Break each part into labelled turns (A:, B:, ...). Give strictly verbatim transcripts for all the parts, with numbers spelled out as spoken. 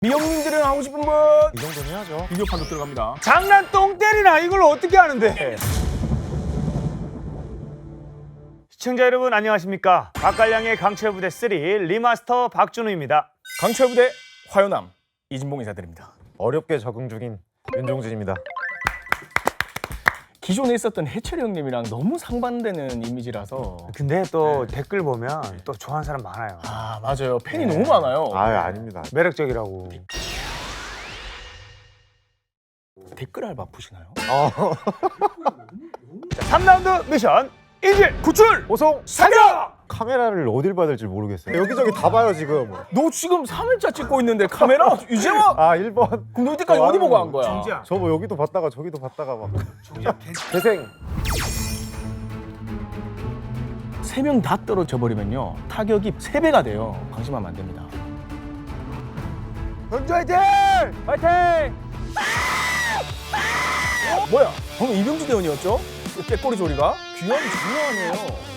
A: 미영님들은 하고 싶은 분
B: 이 정도는 해야죠.
A: 비디오 판독 들어갑니다.
C: 장난 똥 때리나 이걸 어떻게 하는데? 시청자 여러분 안녕하십니까? 박갈량의 강철부대 삼 리마스터 박준우입니다.
A: 강철부대 화요남 이진봉 인사드립니다.
B: 어렵게 적응 중인 윤종진입니다.
A: 기존에 있었던 해철이 형님이랑 너무 상반되는 이미지라서.
C: 근데 또 댓글 보면 또 좋아하는 사람 많아요.
A: 아 맞아요. 팬이 너무 많아요.
B: 아유 아닙니다.
C: 매력적이라고.
A: 댓글 알바 푸시나요?
B: 어.
C: 자, 삼 라운드 미션 인질 구출
B: 보송
C: 사격!
B: 카메라를 어딜 봐야 될지 모르겠어요. 여기저기 다 봐요 지금.
A: 너 지금 삼 일차 찍고 있는데 카메라 이제와?
B: 아 일 번.
A: 그럼 너 이때까지
B: 어,
A: 어디 보고
B: 아유,
A: 한 거야?
C: 정지야.
B: 저 뭐 여기도 봤다가 저기도 봤다가 막. 재생.
A: 세 명 다 떨어져 버리면요 타격이 세 배가 돼요. 방심하면 안 됩니다.
C: 현주 화이팅! 화이팅!
A: 어? 뭐야? 방금 이병주 대원이었죠? 그 깨꼬리 소리가? 귀함이 장난 아니에요.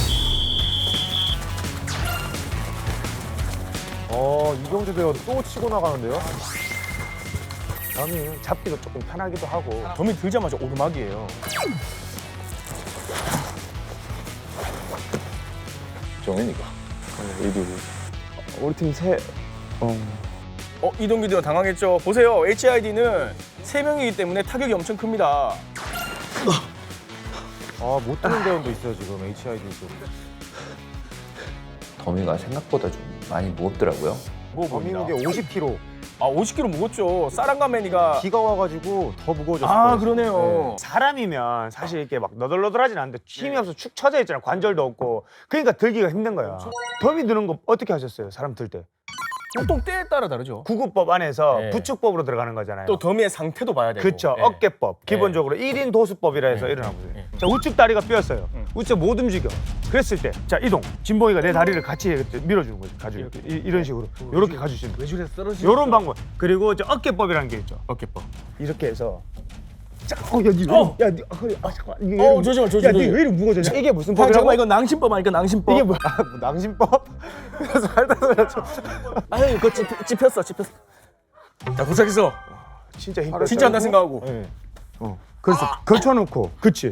B: 어 이병주 대원 또 치고 나가는데요?
C: 점이 잡기도 조금 편하기도 하고.
A: 점이 들자마자 오르막이에요.
D: 정현이가 이리
C: 우리 팀 세...
A: 어, 이동규 대원 당황했죠. 보세요. 에이치아이디는 세 명이기 때문에 타격이 엄청 큽니다.
B: 아못 뜨는 대원도 있어요 지금 에이치아이디도.
D: 더미가 생각보다 좀 많이 무겁더라고요.
A: 뭐
B: 범위
A: 보입니다.
B: 무게 오십 킬로그램.
A: 아, 오십 킬로그램 무겁죠. 사랑가매니가.
B: 비가 와가지고 더 무거워졌어요.
A: 아, 그러네요.
C: 사람이면 사실 이렇게 막 너덜너덜하진 않은데 힘이 없어 축 처져 있잖아. 관절도 없고. 그러니까 들기가 힘든 거야. 더미 드는 거 어떻게 하셨어요? 사람 들 때?
A: 보통 때에 따라 다르죠.
C: 구급법 안에서
A: 네.
C: 부축법으로 들어가는 거잖아요.
A: 또 더미의 상태도 봐야 되고.
C: 그쵸.
A: 네.
C: 어깨법. 기본적으로 일 인 도수법이라 해서
A: 네.
C: 일어나거든요.
A: 네.
C: 자, 우측 다리가 삐었어요.
A: 음.
C: 우측 못 움직여. 그랬을 때, 자, 이동. 진봉이가 내 다리를 같이 이렇게 밀어주는 거죠. 가지고. 이렇게. 이, 이런 식으로. 이렇게 가주시는 거예요.
A: 외줄에서 떨어지죠.
C: 이런 방법. 그리고 저 어깨법이라는 게 있죠.
A: 어깨법.
C: 이렇게 해서. 자, 어, 야, 니 왜,
A: 어!
C: 야, 니, 아, 허리, 아, 잠깐만. 이게
A: 어,
C: 왜
A: 조심해,
C: 이리-
A: 조심해.
C: 야, 니 왜 이렇게 무거워졌냐? 이게 무슨
A: 아,
C: 법이라고?
A: 잠깐만, 이거 낭심법 아니까 낭심법.
C: 이게 뭐야?
B: 아, 뭐 낭심법? 그래서 살다 살았죠.
A: 아유, 그거 찝, 찝혔어, 찝혔어. 자, 도착했어.
C: 진짜 힘들어.
A: 진짜 한다 생각하고.
B: 네.
C: 그래서 걸쳐놓고. 그치.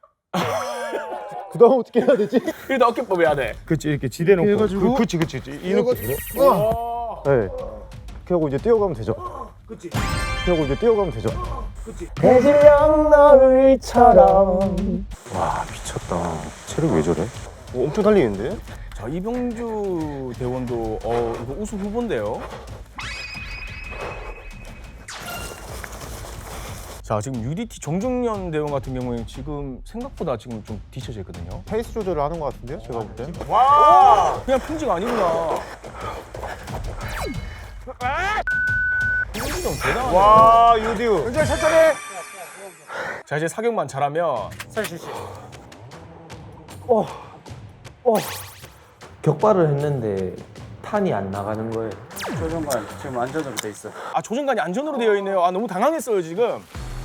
B: 그 다음 어떻게 해야 되지?
A: 그래도 어깨법 해야 돼.
C: 그치, 이렇게 지대놓고.
B: 해가지고.
C: 그, 그치, 그치. 그치. 이 느낌.
A: 와.
B: 네. 이렇게 하고 이제 뛰어가면 되죠.
C: 그치.
B: 이렇게 하고 이제 뛰어가면 되죠.
C: 해질녘 너울처럼.
B: 와 미쳤다. 체력 왜 저래? 엄청 달리는데?
A: 자, 이병주 대원도 어, 이거 우승 후보인데요. 자, 지금 유디티 정중년 대원 같은 경우에는 지금 생각보다 지금 좀 뒤쳐져 있거든요.
B: 페이스 조절을 하는 것 같은데요? 제가 볼 때.
C: 와!
A: 그냥 평지가 아니구나. 이병주 형 대단하네.
C: 와, 유디우. 굉장히 천천히.
A: 자, 이제 사격만 잘하면
E: 격발을 했는데 탄이 안 나가는 거예요.
F: 조정관 지금 안전으로 돼 있어.
A: 아, 조정관이 안전으로 되어 있네요. 아, 너무 당황했어요, 지금.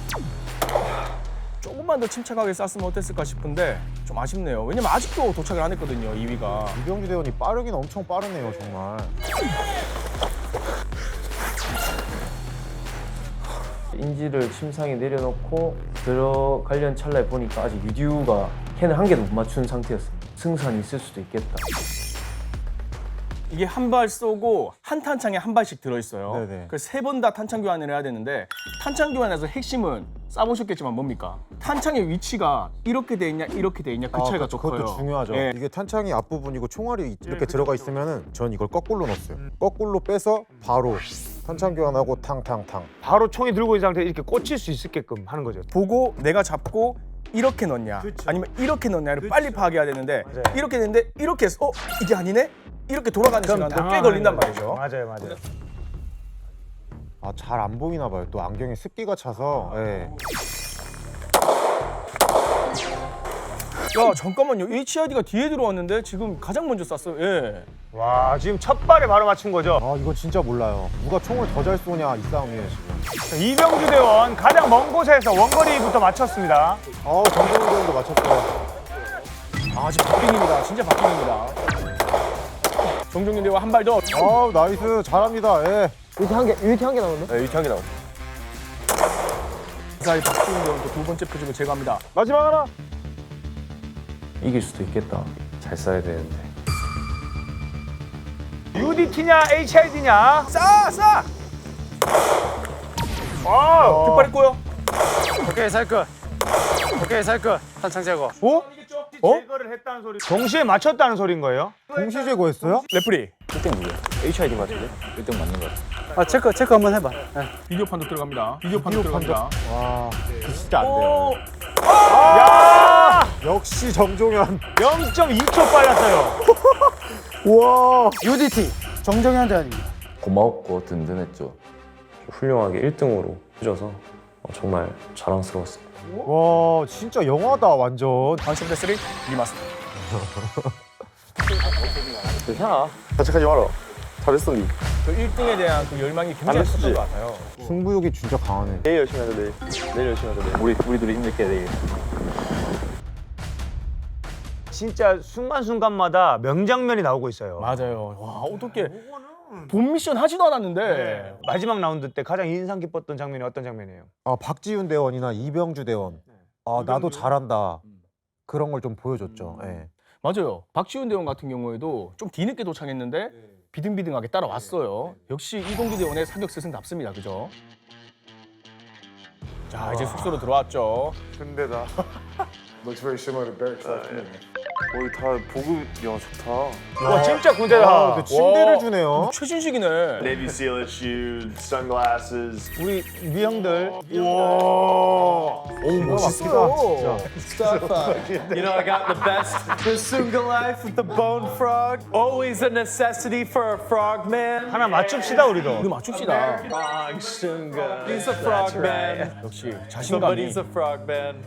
A: 조금만 더 침착하게 쐈으면 어땠을까 싶은데 좀 아쉽네요. 왜냐면 아직도 도착을 안 했거든요, 이 위가.
B: 이병주 대원이 빠르긴 엄청 빠르네요 정말.
E: 인지를 침상에 내려놓고 들어가려는 찰나에 보니까 아직 유디우가 캔을 한 개도 못 맞춘 상태였어요. 승산이 있을 수도 있겠다.
A: 이게 한 발 쏘고 한 탄창에 한 발씩 들어있어요.
B: 네네.
A: 그래서 세 번 다 탄창 교환을 해야 되는데 탄창 교환에서 핵심은 쏴보셨겠지만 뭡니까? 탄창의 위치가 이렇게 돼 있냐 이렇게 돼 있냐 그
B: 아,
A: 차이가
B: 그쵸,
A: 더 커요.
B: 그것도 중요하죠.
A: 예.
B: 이게 탄창이 앞부분이고 총알이 이렇게 들어가 있으면은 전 이걸 거꾸로 넣었어요. 거꾸로 빼서 바로 탄창 교환하고 탕탕탕.
C: 바로 총이 들고 있는 상태에 이렇게 꽂힐 수 있게끔 하는 거죠.
A: 보고 내가 잡고 이렇게 넣냐 아니면 이렇게 넣냐를 빨리 파악해야 되는데
C: 맞아요.
A: 이렇게 되는데 이렇게 해서 어? 이게 아니네? 이렇게 돌아가는 시간도 꽤 걸린단 말이죠.
C: 맞아요, 맞아요.
B: 아 잘 안 보이나 봐요. 또 안경에 습기가 차서. 예.
A: 야 잠깐만요. 에이치아이디가 뒤에 들어왔는데 지금 가장 먼저 쐈어요. 예.
C: 와, 지금 첫 발에 바로 맞춘 거죠.
B: 아 이거 진짜 몰라요. 누가 총을 더 잘 쏘냐 이 싸움이에요 지금.
C: 자, 이병주 대원 가장 먼 곳에서 원거리부터 맞췄습니다.
B: 아 정정우 대원도 맞췄어요.
A: 아 지금 박빙입니다. 진짜 박빙입니다. 정종윤 대원 한 발 더.
B: 아 나이스 잘합니다. 예.
E: 유티 한 개, 유티 한 개 나오네.
A: 네, 유티 한개 나오고. 사이 박지훈 대원 두 번째 표집을 제거합니다.
C: 마지막 하나.
E: 이길 수도 있겠다. 잘 써야 되는데.
C: 유디티냐 에이치아이디냐?
A: 싸! 싸! 아, 깃발 있고요.
F: 오케이 살 것. 오케이 살 것. 탄창 제거.
C: 어?
A: 어?
C: 제거를 했다는 소리. 동시에 맞췄다는 소리인 거예요?
B: 동시 제거했어요?
A: 레프리.
D: 일 등 누구야? 에이치아이디 같은데? 일 등 맞는 거 같아.
F: 아 체크 체크 한번 해봐. 네.
A: 비디오 판도 들어갑니다. 비디오 판도 들어갑니다.
B: 와, 그 진짜 안
A: 오!
B: 돼요.
C: 야!
B: 역시 정종현.
C: 영 점 이 초 빨랐어요.
B: 우와.
F: 유디티 정정현대 아닙니다.
D: 고마웠고 든든했죠.
E: 훌륭하게 일 등으로 해줘서 어, 정말 자랑스러웠습니다.
B: 와, 진짜 영화다 완전.
A: 방심대 쓰리 리마스터.
D: 괜찮아. 자책하지 마라. 잘했어 니.
A: 그 일 등에 대한 그 열망이 굉장히 컸던 것 같아요.
B: 승부욕이 진짜 강하네.
D: 내일 열심히 하자 내일. 내일 열심히 하자 내일. 우리 우리 둘이 힘들게 내일.
C: 진짜 순간순간마다 명장면이 나오고 있어요.
A: 맞아요. 와, 어떻게 본 미션 하지도 않았는데
C: 마지막 라운드 때 가장 인상 깊었던 장면이 어떤 장면이에요?
B: 아, 박지훈 대원이나 이병주 대원. 아, 나도 잘한다. 그런 걸 좀 보여줬죠. 예.
A: 맞아요. 박지훈 대원 같은 경우에도 좀 뒤늦게 도착했는데 비등비등하게 따라왔어요. 역시 이동규 대원의 사격 스승답습니다. 그죠? 자, 이제 숙소로 들어왔죠.
C: 근데다.
G: Looks very similar to barracks life to me.
D: 우리 다 보급 야 좋다.
C: 와 진짜 군대다.
B: 아, 근데 침대를
A: 와.
B: 주네요.
A: 최신식이네.
H: Navy SEAL shoes, sunglasses.
C: 우리 위형들.
A: 오, 멋있다.
B: 진짜.
F: You know I got the best Basunga life with the bone frog. Always a necessity for a frog man.
C: 하나 맞춥시다 우리도.
A: 우리 맞춥시다.
F: Frog Sunga. He's a frog man.
A: 역시 자신감이.
F: Somebody's a frog man.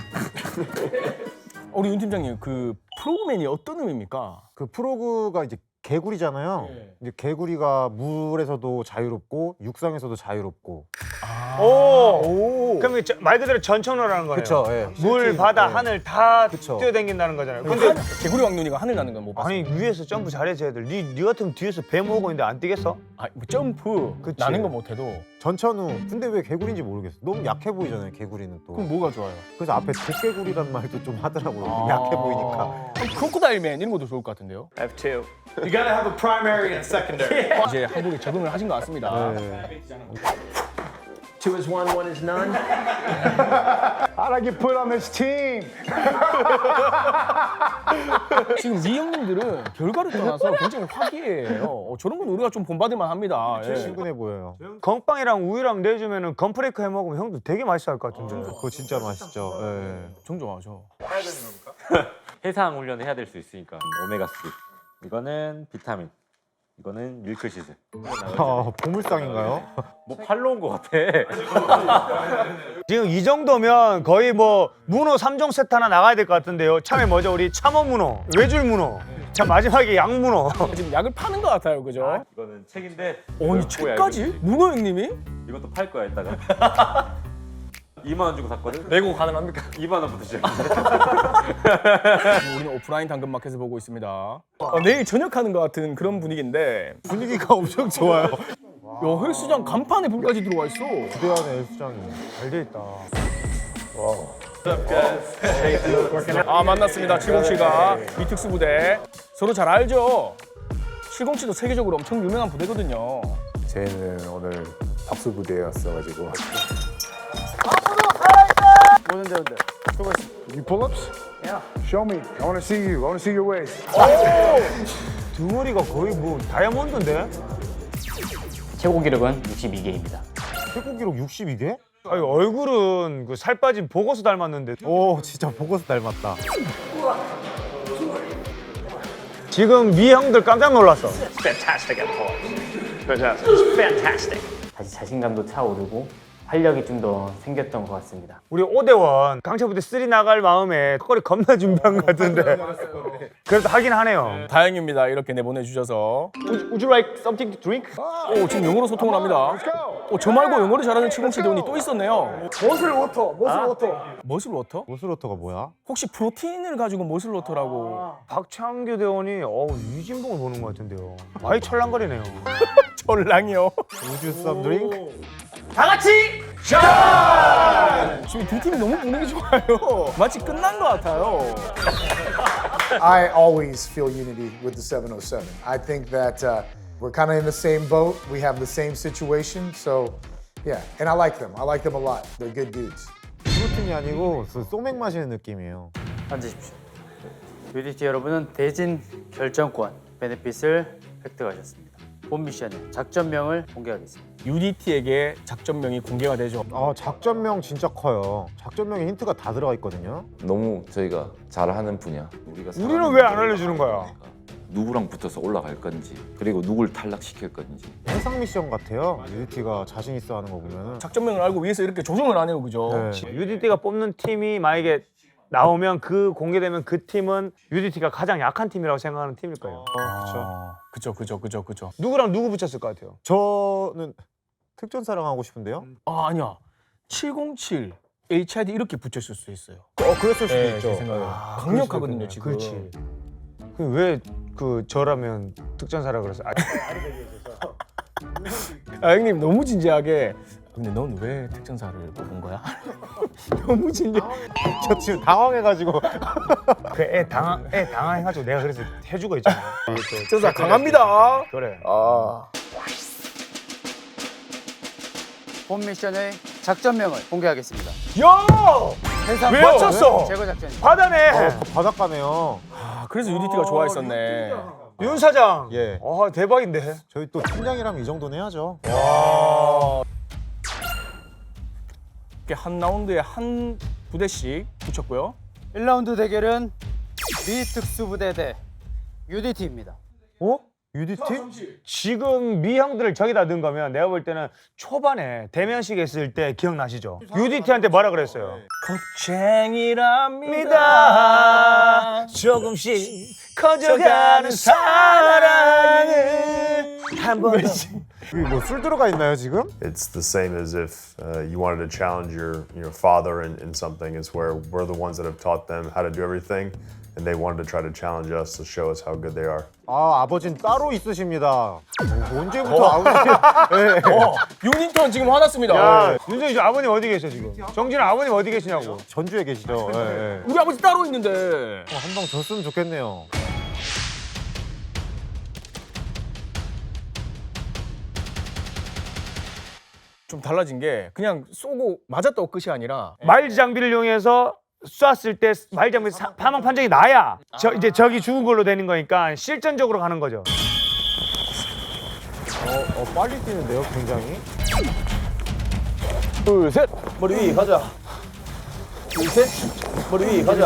A: 우리 윤 팀장님, 그 프로그맨이 어떤 의미입니까?
B: 그 프로그가 이제 개구리잖아요. 이제 개구리가 물에서도 자유롭고 육상에서도 자유롭고.
C: 오. 그럼 이게 저- 말 그대로 전천후라는 거네요.
B: 그쵸, 예.
C: 물,
B: 실제,
C: 바다,
B: 예.
C: 하늘 다
B: 그쵸.
C: 뛰어다닌다는 거잖아요.
A: 근데
C: 근데
A: 개구리 왕눈이가 하늘 나는 건 못 봤어.
C: 아니 위에서 점프 잘해서 애들. 니, 니 같으면 뒤에서 배 모으고 있는데 안 뛰겠어?
A: 아, 뭐 점프
C: 그치.
A: 나는 건 못해도
B: 전천후. 근데 왜 개구리인지 모르겠어. 너무 약해 보이잖아요, 개구리는 또.
A: 그럼 뭐가 좋아요?
B: 그래서 앞에 도개구리란 말도 좀 하더라고요.
A: 아.
B: 약해 보이니까.
A: 그럼 크로코다일맨 이런 것도 좋을 것 같은데요.
F: F two. You gotta have a primary and secondary.
A: 이제 한국에 적응을 하신 것 같습니다.
B: 네.
E: Two is one, one is none.
G: How'd I get put on this team?
A: 지금 이 형님들은 결과를 떠나서 굉장히 화기애애해요. 어, 저런 건 우리가 좀 본받을만 합니다. 예.
B: 친근해 보여요.
C: 건빵이랑 우유랑 내주면은 건프레이크 해 먹으면 형도 되게 맛있어 할 것 같은데.
B: 그거 진짜 맛있죠. 예.
A: 좀 좋아하죠.
I: 해상 훈련을 해야 될 수 있으니까 오메가삼 이거는 비타민 이거는 밀크시슬
B: 아, 보물상인가요?
I: 뭐 팔로 온 거 같아.
C: 지금 이 정도면 거의 뭐 문어 삼 종 세트 하나 나가야 될 것 같은데요. 참에 뭐죠? 우리 참어 문어, 외줄 문어. 자 마지막에 양 문어.
A: 지금 약을 파는 것 같아요, 그죠?
I: 이거는 책인데
A: 어이 책까지? 문어 형님이?
I: 이것도 팔 거야 이따가. 이만 원 주고 샀거든.
A: 내고 가능합니까?
I: 이만 원부터 시작.
A: 우리는 오프라인 당근마켓을 보고 있습니다. 어, 내일 저녁하는 것 같은 그런 분위기인데
B: 분위기가 엄청 좋아요.
A: 야, 헬스장 간판에 불까지 들어와 있어.
B: 부대안에 헬스장이.
C: 잘 돼 있다.
A: 아, 만났습니다. 칠공칠과 이특수 부대. 서로 잘 알죠? 칠공칠도 세계적으로 엄청 유명한 부대거든요.
G: 쟤는 오늘 박수 부대였어가지고.
F: 뭐는데 근데?
G: You pull-ups? Yeah. Show me. I want to see you. I want to see your waist.
C: 등어리가 거의 뭐 다이아몬드인데?
J: 최고 기록은 육십이 개입니다.
B: 최고 기록 육십이 개?
C: 아니 얼굴은 그 살 빠진 보고서 닮았는데.
B: 오, 진짜 보고서 닮았다.
C: 지금 미 형들 깜짝 놀랐어.
H: Fantastic at pull-ups. Fantastic. It's fantastic.
J: 다시 자신감도 차오르고 활력이 좀 더 생겼던 것 같습니다.
C: 우리 오대원 강철부대 쓰리 나갈 마음에 턱걸이 겁나 준비한 것 같은데. 그래도 하긴 하네요.
A: 다행입니다. 이렇게 내보내주셔서.
C: Would you like something to drink?
A: 오, 지금 영어로 소통을 합니다. 어, 저 말고 영어를 잘하는 칠공칠 대원이 또 있었네요.
G: 머슬 워터, 머슬 워터.
A: 머슬 워터?
B: 모슬로터가 뭐야?
A: 혹시 프로틴을 가지고 머슬 워터라고?
C: 박창규 대원이 어우 유진봉을 보는 것 같은데요. 많이 철랑거리네요.
A: 전랑이요.
B: 우주 썸 드링크?
A: 지금 두 팀이 너무 분위기 좋아요. 마치 끝난 것 같아요.
G: I always feel unity with the seven oh seven. I think that uh, we're kind of in the same boat. We have the same situation. So, yeah. And I like them. I like them a lot. They're good dudes.
B: 프로틴이 아니고 그 소맥 마시는 느낌이에요.
J: 앉으십시오. 유디티 여러분은 대진 결정권 베네핏을 획득하셨습니다. 본 미션의 작전명을 공개하겠습니다.
A: 유디티에게 작전명이 공개가 되죠.
B: 아 작전명 진짜 커요. 작전명에 힌트가 다 들어가 있거든요.
K: 너무 저희가 잘하는 분야. 우리가
C: 우리는 왜 안 알려주는 거야?
K: 누구랑 붙어서 올라갈 건지, 그리고 누굴 탈락시킬 건지.
B: 해상 미션 같아요. 유니티가 자신 있어 하는 거 보면은.
A: 작전명을 알고 위해서 이렇게 조정을 안 해요, 그죠?
B: 네.
C: 유디티가 뽑는 팀이 만약에 나오면 그 공개되면 그 팀은 유디티가 가장 약한 팀이라고 생각하는 팀일 거예요.
A: 아, 그죠, 그죠, 그죠, 그죠.
C: 누구랑 누구 붙였을 것 같아요?
B: 저는 특전사랑 하고 싶은데요.
A: 아, 아니야. 칠공칠, 에이치아이디 이렇게 붙였을 수 있어요.
B: 어 그랬을 수도
A: 네,
B: 있죠.
A: 제 생각에. 강력하거든요, 지금.
C: 그렇지. 왜 그 저라면 특전사라 그랬어? 아,
A: 아, 형님 너무 진지하게. 근데 넌 왜 특전사를 뽑은 거야? 너무 진지해.
B: 저 지금 당황해가지고.
C: 그 애 당황 애 당황해가지고 내가 그래서 해주고 있잖아.
A: 특전사 강합니다.
C: 그래.
A: 아.
J: 본 미션의 작전명을 공개하겠습니다.
C: 야!
J: 해상
C: 왜 맞췄어?
J: 제거 작전.
C: 바다네.
B: 어, 바닷가네요.
A: 아, 그래서 유디티가 좋아했었네.
C: 윤 사장.
B: 예.
C: 아 대박인데.
B: 저희 또 팀장이라면 이 정도는 해야죠.
A: 이렇게 한 라운드에 한 부대씩 붙였고요.
J: 일 라운드 대결은 미 특수부대 대 유디티입니다.
C: 어?
B: 유디티?
C: 지금 미 형들을 저기다 넣은 거면 내가 볼 때는 초반에 대면식 했을 때 기억나시죠? 유디티한테 뭐라 그랬어요?
A: 겁쟁이랍니다.
C: 조금씩 커져가는 사랑을 한 번 더.
B: 여기 뭐 술 들어가 있나요 지금?
L: It's the same as if uh, you wanted to challenge your, your father in, in something. It's where we're the ones that have taught them how to do everything, and they wanted to try to challenge us to show us how good they are.
B: 아 아버지는 따로 있으십니다. 어, 언제부터 아버지? 네.
A: 어, 유니턴 지금 화났습니다.
C: 야, 윤정이 저 아버님 어디 계셔 지금? 정진아 아버님 어디 계시냐고.
B: 전주에 계시죠. 예, 예.
A: 우리 아버지 따로 있는데.
B: 어, 한 방 졌으면 좋겠네요.
A: 좀 달라진 게 그냥 쏘고 맞았다고 끝이 아니라
C: 마일즈 장비를 이용해서 쐈을 때 마일즈 장비 사망 판정이 나야 저 이제 적이 죽은 걸로 되는 거니까 실전적으로 가는 거죠.
B: 어, 어 빨리 뛰는데요, 굉장히.
A: 둘, 셋. 머리 위 가자. 둘, 셋. 머리 위 가자.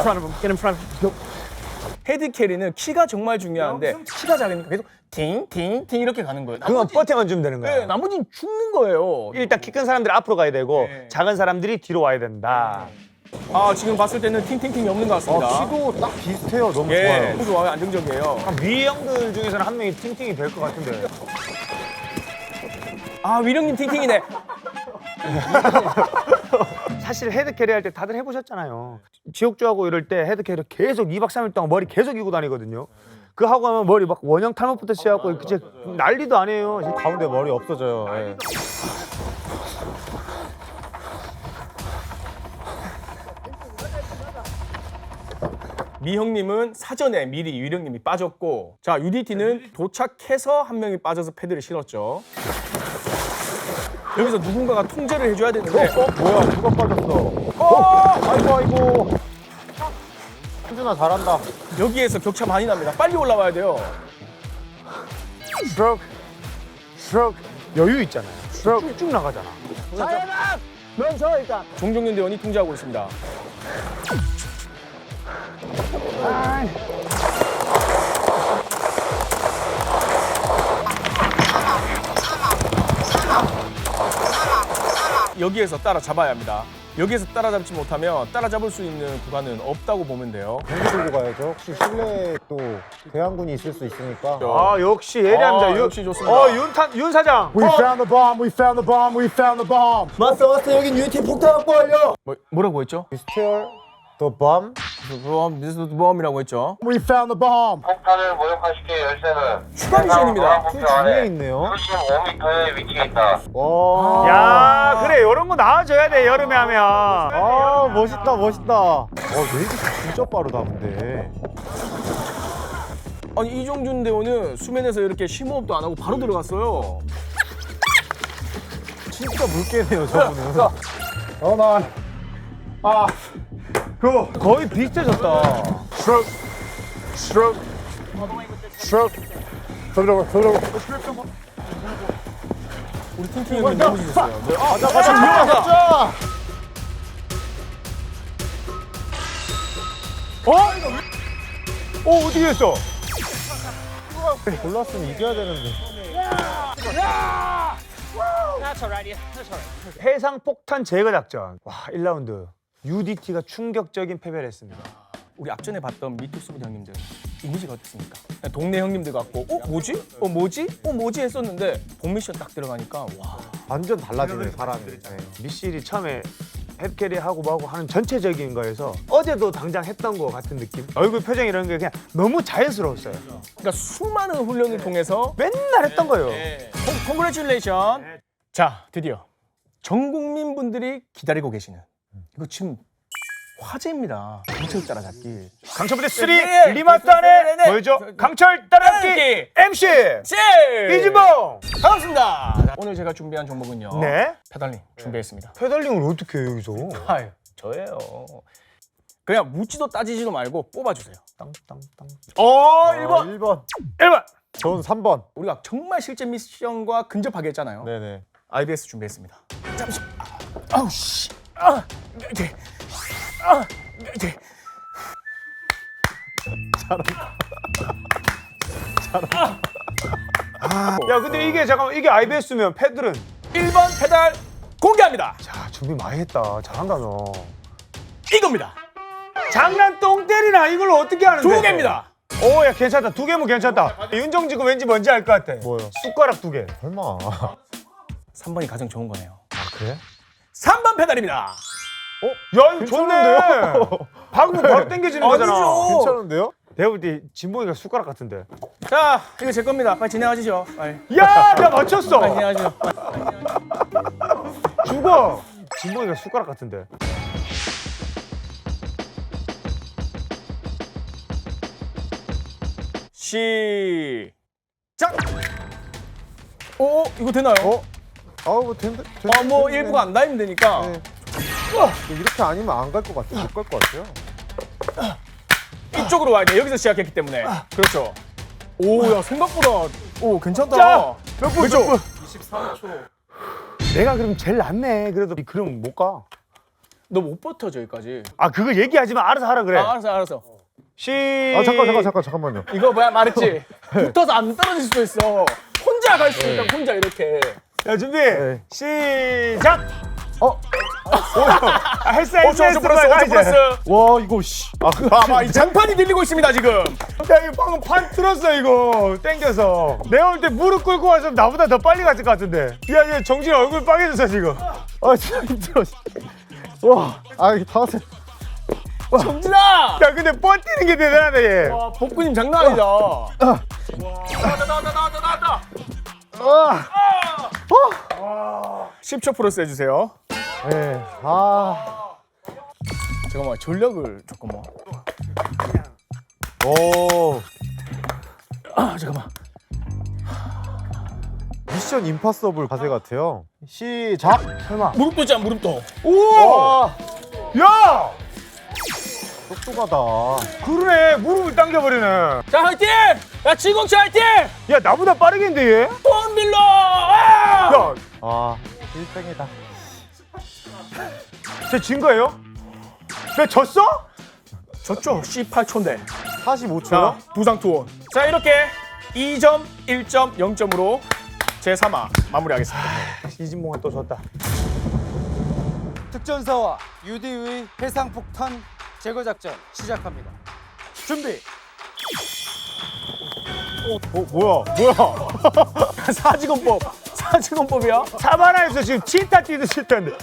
A: 헤드 캐리는 키가 정말 중요한데 키가 작으니까 계속 팅팅팅 이렇게 가는 거예요.
C: 그건 버텨만 주면 되는 거야.
A: 네, 나머지는 죽는 거예요.
C: 일단 키 큰 사람들이 앞으로 가야 되고
A: 네.
C: 작은 사람들이 뒤로 와야 된다.
A: 아, 지금 봤을 때는 팅팅팅이 없는 것 같습니다.
B: 아, 키도 딱 비슷해요. 너무
A: 예,
B: 좋아요.
A: 너무 좋아요. 안정적이에요.
C: 미 형들 중에서는 한 명이 팅팅이 될 것 같은데.
A: 아, 위령님 팅팅이네.
C: 사실 헤드 캐리 할 때 다들 해보셨잖아요. 지옥주하고 이럴 때 헤드 캐리 계속 이 박 삼 일 동안 머리 계속 이고 다니거든요. 그 하고 하면 머리 막 원형 탈모부터 시작하고 이제 난리도 아니에요.
B: 가운데 머리 없어져요. 예.
A: 미 형님은 사전에 미리 위령님이 빠졌고, 자, 유디티는 도착해서 한 명이 빠져서 패드를 실었죠. 여기서 누군가가 통제를 해줘야 되는데,
B: 어, 뭐야? 누가 빠졌어? 어! 아이고 아이고. 현준아 잘한다.
A: 여기에서 격차 많이 납니다. 빨리 올라와야 돼요.
C: 스트로크, 스트로크 여유 있잖아요. 스트로크 쭉쭉 나가잖아.
A: 자연아! 멈춰 일단. 종종윤 대원이 통제하고 있습니다. 여기에서 따라잡아야 합니다. 여기에서 따라잡지 못하면 따라잡을 수 있는 구간은 없다고 보면 돼요.
B: 경기 들고 가야죠. 혹시 실내에 또 대항군이 있을 수 있으니까.
C: 아 역시 예리합니다.
A: 아,
C: 윤-
A: 역시 좋습니다.
C: 어 윤탄 윤 사장.
B: We found the bomb. We found the bomb. We found the bomb.
C: 마스터 마스터 여긴 유티 폭탄 확보 완료.
A: 뭐, 뭐라고 했죠?
B: We steal the bomb.
A: 범, 미스터 범이라고 했죠.
B: We found the bomb.
H: 폭탄을 모형화시킬 열쇠는
A: 추가 미션입니다.
B: 그 뒤에 있네요.
H: 칠십오 미터에 위치해 있다.
B: 와.
C: 야 그래 이런 거 나와줘야 돼 여름에 하면.
B: 아 멋있다 멋있다. 와 웨이브 진짜 빠르다 근데.
A: 아니 이종준 대원은 수면에서 이렇게 심호흡도 안 하고 바로 들어갔어요.
B: 진짜 물개네요 저분은.
C: 어 나. 아. 그 거의 비슷해졌다.
L: Stroke. Stroke. Stroke. Flip it over. Flip it over.
A: 우리 팅팅 형님 너무 지셨어요. 네. 아,
B: 가자 가자 가자.
C: 어? 어 어떻게 했어?
B: 골랐으면 이겨야 되는데.
C: 해상 폭탄 제거 작전. 와 일 라운드 유디티가 충격적인 패배를 했습니다.
A: 우리 앞전에 봤던 미투스부 형님들 이미지가 어땠습니까? 동네 형님들 같고 어 뭐지? 어 뭐지? 어 뭐지? 했었는데 본 미션 딱 들어가니까 와
B: 완전 달라지네 사람이. 네.
C: 미실이 처음에 햅캐리 하고 뭐하고 하는 전체적인 거에서 어제도 당장 했던 거 같은 느낌? 얼굴 표정 이런 게 그냥 너무 자연스러웠어요.
A: 그러니까 수많은 훈련을 통해서
C: 맨날 했던 거예요.
A: 콩그레츄레이션. 자 드디어 전 국민 분들이 기다리고 계시는 이거 지금 화제입니다. 강철 따라잡기.
C: 강철부대 삼
A: 네,
C: 리마스터네
A: 네, 네, 네.
C: 뭐죠? 강철 따라잡기
A: 따라잡기.
C: 엠씨
A: 씨!
C: 이지봉.
A: 반갑습니다. 자, 오늘 제가 준비한 종목은요.
C: 네.
A: 페달링 준비했습니다.
C: 페달링을 어떻게 해요 여기서?
A: 아유 저예요. 그냥 묻지도 따지지도 말고 뽑아주세요.
C: 땅땅땅.
A: 어 일 번.
B: 일 번.
C: 일 번.
B: 전 삼 번.
A: 우리가 정말 실제 미션과 근접하게 했잖아요.
B: 네네.
A: 아이비에스 준비했습니다. 잠시. 아, 아우 씨. 아, 이렇게. 아, 이렇게.
C: 야 근데 이게 잠깐만 이게 아이비에스면 패들은
A: 일 번 페달 공개합니다.
C: 자 준비 많이 했다. 잘한다 너.
A: 이겁니다.
C: 장난 똥 때리나 이걸 어떻게 하는데?
A: 두 개입니다.
C: 오야 괜찮다. 두 개면 괜찮다. 윤정지가 왠지 뭔지 알 것 같아.
B: 뭐요?
C: 숟가락 두 개.
B: 설마.
A: 삼 번이 가장 좋은 거네요.
C: 아 그래?
A: 삼 번 페달입니다.
C: 야 이거 좋네. 박으면 바로 당겨지는 거잖아.
A: 아니죠.
B: 괜찮은데요?
C: 내가 볼 때 진봉이가 숟가락 같은데.
A: 자, 이거 제 겁니다. 빨리 진행하시죠. 빨리.
C: 야, 내가 맞췄어.
A: 빨리 진행하시죠.
C: 죽어. 진봉이가 숟가락 같은데.
A: 시작. 오, 이거 되나요?
B: 어? 아우 뭐 된다.
A: 아, 뭐 일부가 안 닿으면 되니까.
B: 네. 이렇게 아니면 안 갈 것 같아. 못 갈 것 같아요.
A: 이쪽으로 와야 돼. 여기서 시작했기 때문에. 그렇죠. 오, 야 생각보다 오 괜찮다.
C: 자, 몇 분?
A: 그렇죠.
C: 몇 분? 이십삼 초. 내가 그럼 제일 낫네. 그래도 그럼 못 가.
A: 너 못 버텨 저기까지.
C: 아 그거 얘기하지 마. 알아서 하라 그래.
A: 아, 알았어, 알았어.
C: 시.
B: 아 잠깐 잠깐 잠깐 잠깐만요.
A: 이거 뭐야 말했지. 붙어서 안 떨어질 수도 있어. 혼자 갈 수 있다. 혼자 이렇게.
C: 야 준비.
B: 네.
C: 시작.
B: 어?
C: 아, 했어
A: 오,
C: 했어
A: 저, 저
C: 했어.
A: 플러스,
C: 빨리
A: 오, 저
C: 이제.
A: 플러스.
B: 와 이거 씨. 아 그.
A: 봐봐, 이 장판이 들리고 있습니다 지금.
C: 야 이거 방금 판 틀었어 이거 땡겨서. 내가 볼 때 무릎 꿇고 와서 나보다 더 빨리 갔을 것 같은데. 야야 정진 얼굴 빨개졌어 지금.
B: 아 진짜 힘들어. 와. 아 이게 다 왔어.
A: 정진아.
C: 야 근데 뻗뛰는 게 대단하다 얘.
A: 와, 복근님 장난 아니다. 와, 나왔다, 나왔다, 나왔다, 나왔다. 십 초 플러스 해주세요.
B: 네. 아.
A: 잠깐만 전력을 잠깐만.
B: 오.
A: 아 잠깐만.
B: 미션 임파서블 가세 같아요. 시작.
C: 설마.
A: 무릎 도지 무릎 도.
C: 오. 야.
B: 똑똑하다.
C: 그러네 무릎을 당겨버리네.
A: 자 화이팅! 야 지공치 화이팅!
C: 야 나보다 빠르겠는데 얘?
A: 돈 빌러! 아!
C: 야,
B: 아 일등이다.
C: 쟤진 거예요? 내가 졌어?
A: 졌죠? 십팔 초인데.
B: 사십오 초.
A: 자 부상 투혼. 자 이렇게 이 점, 일 점, 영 점으로 제삼 화 마무리하겠습니다.
C: 이진봉은 또 졌다.
M: 특전사와 유디의 해상폭탄 제거 작전 시작합니다. 준비.
C: 어 뭐야 뭐야
A: 사직원법. 사직원법이야?
C: 사바나에서 지금 치타 뛰듯이 했다는데.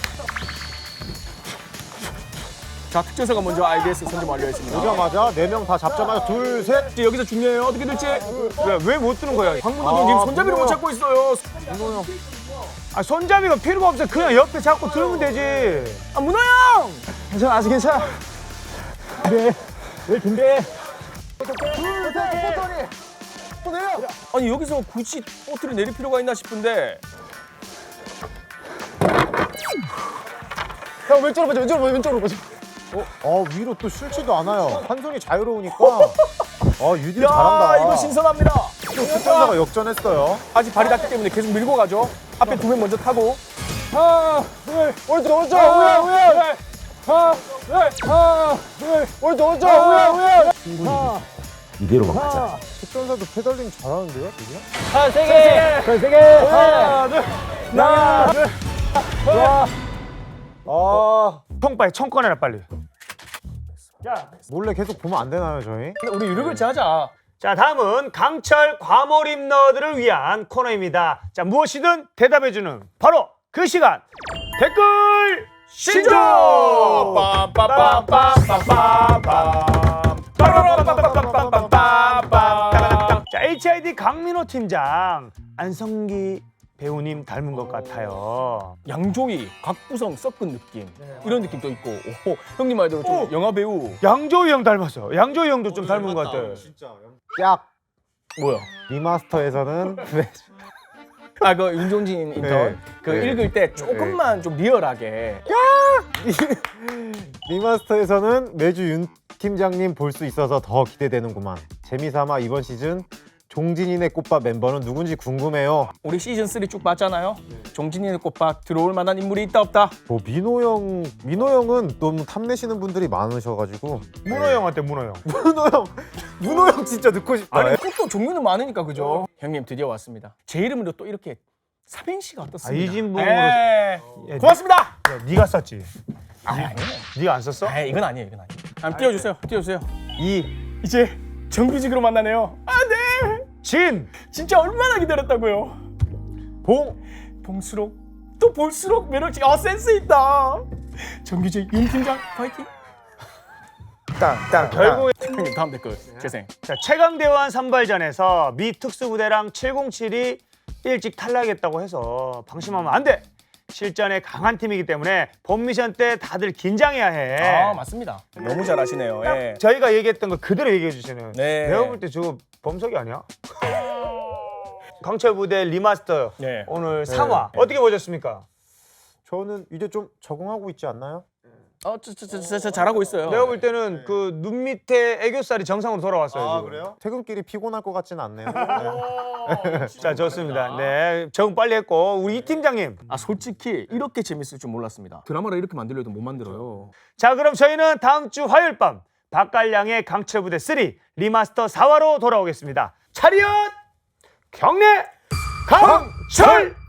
A: 자, 특전사가 먼저 아이비에스 선점 완료했습니다.
B: 오자마자 네 명 다 잡자마자 둘, 셋.
A: 이제 여기서 중요해요. 어떻게 될지.
C: 왜 못 뜨는 거야?
A: 황문호 아, 지금 손잡이를 못 잡고 있어요.
B: 문호 형.
C: 아 손잡이가 필요가 없어. 그냥 옆에 잡고 들면 되지.
A: 아, 문호 형!
C: 괜찮아 아직 괜찮아. 네. 네 준비.
A: 아니, 여기서 굳이 보트를 내릴 필요가 있나 싶은데.
B: 형 왼쪽으로 보자, 왼쪽으로 보자, 왼쪽으로 보자. 어, 어 위로 또 실지도 않아요. 한 손이 자유로우니까. 어 유디
A: 야,
B: 잘한다.
A: 이거 신선합니다.
B: 또 특전사가 역전했어요.
A: 아직 발이 닿기 때문에 계속 밀고 가죠. 앞에 두 명 먼저 타고.
B: 하나, 둘, 오른쪽, 오른쪽, 우야, 우야. 하나, 둘, 하나, 둘, 오른쪽, 오른쪽, 우야, 우야.
K: 이대로만 가자.
B: 특전사도 페달링 잘하는데요, 지금?
C: 하나 세 개. 세 개. 하나 둘. 하나 둘.
B: 좋아. 아,
C: 총 빨리 총 꺼내라 빨리.
B: 몰래 계속 보면 안 되나요, 저희?
A: 근데 우리 유력을지 하자.
C: 자 다음은 강철 과몰입 너들을 위한 코너입니다. 자 무엇이든 대답해주는 바로 그 시간 댓글 신조. 자 에이치아이디 강민호 팀장 안성기 배우님 닮은 것 같아요.
A: 양조위, 각구성 섞은 느낌. 이런 느낌도 있고. 오, 형님 말대로 좀 영화 배우.
C: 양조위 형 닮았어. 양조위 형도 좀 닮은 것 같아.
B: 약.
A: 뭐야?
B: 리마스터에서는
A: 아, 그 윤종진 인턴.
B: 네.
A: 그
B: 네.
A: 읽을 때 조금만 좀 리얼하게.
B: 리마스터에서는 매주 윤 팀장님 볼 수 있어서 더 기대되는구만. 재미삼아 이번 시즌 종진이네 꽃밥 멤버는 누군지 궁금해요.
A: 우리 시즌 쓰리 쭉 봤잖아요. 종진이네 꽃밥 들어올 만한 인물이 있다 없다.
B: 뭐 민호 형, 민호 형은 너무 탐내시는 분들이 많으셔가지고.
C: 문호 형한테 문호 형.
B: 문호 형, 문호 형 진짜 넣고 싶다.
A: 아니, 또 종류는 많으니까 그죠? 형님 드디어 왔습니다. 제 이름으로 또 이렇게 삼행시가 어떻습니까?
C: 아, 이진봉으로.
A: 에이,
C: 야,
A: 고맙습니다.
C: 야, 네가 썼지.
A: 아니, 아니에요.
C: 네가 안 썼어?
A: 아, 이건 아니에요, 이건 아니에요. 한번 띄워주세요, 띄워주세요.
C: 이.
A: 이제 정규직으로 만나네요. 아, 네.
C: 진.
A: 진짜 얼마나 기다렸다고요.
B: 봉.
A: 봉수록 또 볼수록 매력적. 아, 센스 있다. 정규직 윤 팀장 파이팅.
C: 딱, 결국
A: 형님 다음 댓글 재생.
C: 자 최강대환 선발전에서 미 특수부대랑 칠공칠이 일찍 탈락했다고 해서 방심하면 안 돼. 실전에 강한 팀이기 때문에 본 미션 때 다들 긴장해야 해.
A: 아, 맞습니다. 너무 잘하시네요. 예.
C: 저희가 얘기했던 거 그대로 얘기해 주시네요.
A: 네.
C: 내가 볼 때 저거 범석이 아니야? 강철 부대 리마스터
A: 네.
C: 오늘 삼 화 어떻게 보셨습니까?
B: 저는 이제 좀 적응하고 있지 않나요?
A: 어, 저, 저, 저, 저, 저 잘하고 있어요.
C: 내가 볼 때는 그 눈 밑에 애교살이 정상으로 돌아왔어요.
B: 아
C: 지금.
B: 그래요? 퇴근길이 피곤할 것 같지는 않네요.
C: 자 좋습니다. 네 적응 빨리 했고 우리 이 팀장님.
A: 아, 솔직히 이렇게 재밌을 줄 몰랐습니다. 드라마를 이렇게 만들려도 못 만들어요.
C: 자 그럼 저희는 다음 주 화요일 밤 박갈량의 강철부대 삼 리마스터 사 화로 돌아오겠습니다. 차렷 경례 강철